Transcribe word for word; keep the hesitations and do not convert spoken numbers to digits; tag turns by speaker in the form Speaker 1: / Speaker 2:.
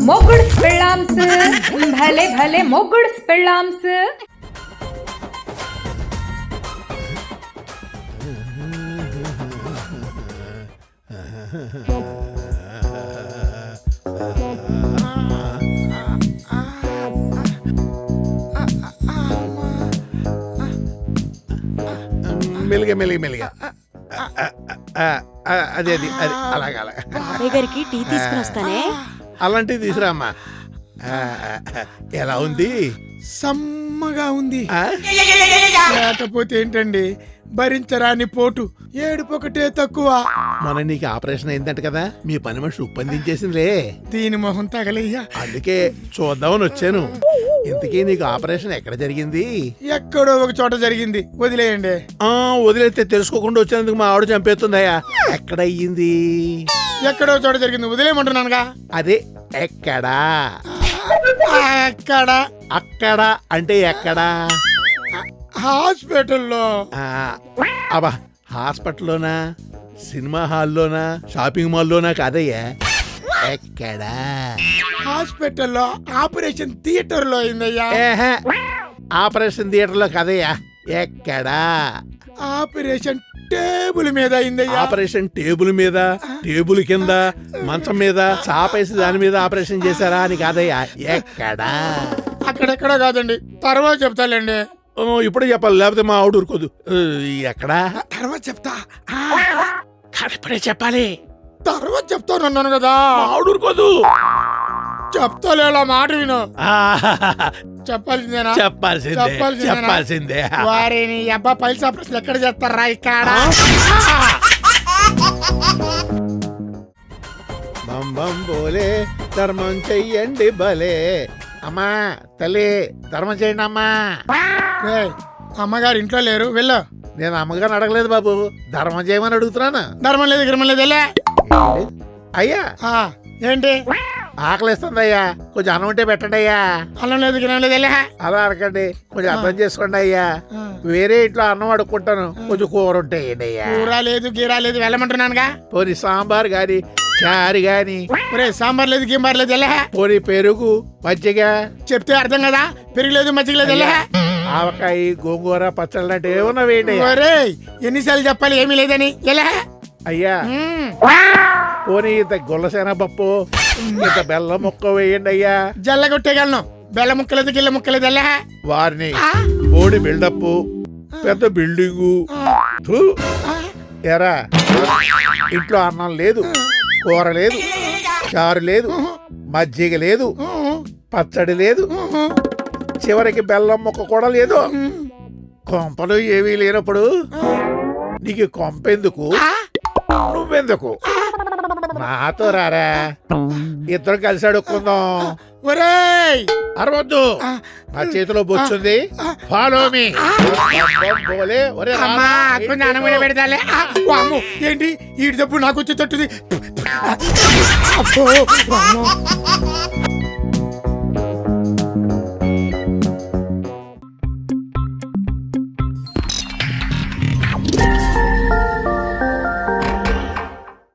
Speaker 1: మొగుడ్స్ పెళ్ళాంస్ భలే భలే మొగుడ్స్ పెళ్ళాంస్.
Speaker 2: మెల్లిగా మెల్లిగా మెల్లిగా అదే అది అది అలాగే అలాగే.
Speaker 3: బాబాయ్ గారికి టీ తీసుకుని వస్తానే.
Speaker 2: అలాంటివి తీసురామ్మా. ఎలా ఉంది?
Speaker 4: సమ్మగా ఉంది. లేకపోతే ఏంటండి భరించరాని పోటు, ఏడుపొకటే తక్కువ.
Speaker 2: మన నీకు ఆపరేషన్ అయిందంట కదా, మీ పని మనిషి ఉప్పందించేసిందిలే.
Speaker 4: దీని మొహం తగలయ్యా.
Speaker 2: అందుకే చూద్దామని వచ్చాను. ఇంతకీ నీకు ఆపరేషన్ ఎక్కడ జరిగింది?
Speaker 4: ఎక్కడో ఒక చోట జరిగింది, వదిలేయండి.
Speaker 2: ఆ వదిలేస్తే తెలుసుకోకుండా వచ్చినందుకు మా ఆవిడ చంపేస్తుందయ్యా. ఎక్కడ అయ్యింది?
Speaker 4: ఎక్కడో చోట జరిగింది, వదిలేయమంటున్నానుగా.
Speaker 2: అదే ఎక్కడా?
Speaker 4: ఎక్కడ?
Speaker 2: అక్కడ అంటే ఎక్కడా?
Speaker 4: హాస్పిటల్లో.
Speaker 2: అబ్బా, హాస్పిటల్లోనా, సినిమా హాల్లోనా, షాపింగ్ మాల్లోనా? కాదయ్యా, ఎక్కడా?
Speaker 4: హాస్పిటల్లో ఆపరేషన్ థియేటర్ లో అయిందయ్యా.
Speaker 2: ఆపరేషన్ థియేటర్ లో కదయ్యా, ఎక్కడా?
Speaker 4: ఆపరేషన్ టేబుల్ మీద అయిందయ్యా.
Speaker 2: ఆపరేషన్ టేబుల్ మీద, టేబుల్ కింద, మంచం మీద, చాపేసి దాని మీద ఆపరేషన్ చేశారా అని కాదయ్యా, ఎక్కడా?
Speaker 4: అక్కడెక్కడా కాదండి, తర్వాత చెప్తాలేండి.
Speaker 2: ఇప్పుడే చెప్పాలి, లేకపోతే మా ఆవిడ ఊరుకోదు. ఎక్కడా?
Speaker 4: తర్వాత చెప్తా.
Speaker 2: ఇప్పుడే చెప్పాలి.
Speaker 4: తర్వాత చెప్తాను అన్నాను కదా.
Speaker 2: ఆవిడ ఊరుకోదు.
Speaker 4: చెప్తాలేలా, మాట విను. చెప్పాల్సిందేనా?
Speaker 2: చెప్పాల్సిందే చెప్పాల్సిందే.
Speaker 4: వారిని అబ్బా పైసా ప్రశ్నలు ఎక్కడ చేస్తారా? ఇక్కడ
Speaker 2: బంబం బోలే ధర్మం చెయ్యండి భలే. అమ్మా తల్లి, ధర్మం చేయండి అమ్మా.
Speaker 4: అమ్మగారు ఇంట్లో లేరు, వెళ్ళు.
Speaker 2: నేను అమ్మగారిని అడగలేదు బాబు, ధర్మం చేయమని అడుగుతున్నాను.
Speaker 4: ధర్మం లేదు గిర్మం లేదు, వెళ్ళే.
Speaker 2: అయ్యా
Speaker 4: ఏంటి?
Speaker 2: ఆకలిస్తుంది అయ్యా, కొంచెం అన్నం ఉంటే పెట్టండి అయ్యా.
Speaker 4: అన్నం లేదు గిర్మం లేదు, వెళ్ళే.
Speaker 2: అలా అడగండి, కొంచెం అర్థం చేసుకోండి అయ్యా. వేరే ఇంట్లో అన్నం అడుక్కుంటాను, కొంచెం కూర ఉంటే అయ్యా.
Speaker 4: కూర లేదు గీరా లేదు, వెళ్ళమంటున్నానుగా.
Speaker 2: పోనీ సాంబార్ గాని, చారు గాని.
Speaker 4: సాంబార్ లేదు గింబార్ లేదు, వెళ్ళే.
Speaker 2: పోనీ పెరుగు, మజ్జిగ.
Speaker 4: చెప్తే అర్థం కదా, పెరుగు లేదు మజ్జిగ లేదు, వెళ్ళే.
Speaker 2: ఆవకాయ, గోంగూర, పచ్చళ్ళు అంటే ఏమన్నా వేయండి.
Speaker 4: ఎన్నిసార్లు చెప్పాలి ఏమీ లేదని, వెళ్ళే.
Speaker 2: అయ్యా పోనీ ఇంత గుల్లసేన పప్పు, ఇంత బెల్లం ముక్క వేయండి అయ్యా.
Speaker 4: జల్ల కొట్టేయగలను, బెల్ల ముక్కలేదు గిల్ల ముక్కలేదు, వెళ్ళే.
Speaker 2: వారిని బోడి బిల్డప్, పెద్ద బిల్డింగు. ఎరా, ఇంట్లో అన్నం లేదు, కూర లేదు, చారు లేదు, మజ్జిగ లేదు, పచ్చడి లేదు, చివరికి బెల్లం ముక్క కూడా లేదు. కొంపలు ఏమీ లేనప్పుడు నీకు కొంపెందుకు, నువ్వెందుకు? నాతో రారా, ఇద్దరు కలిసి అడుక్కుందాం.
Speaker 4: ఒరేయ్
Speaker 2: అరవద్దు, నా చేతిలో బొచ్చుంది, ఫాలో మీ.
Speaker 4: ఏంటి ఈ డబ్బు నాకు వచ్చి తట్టుది.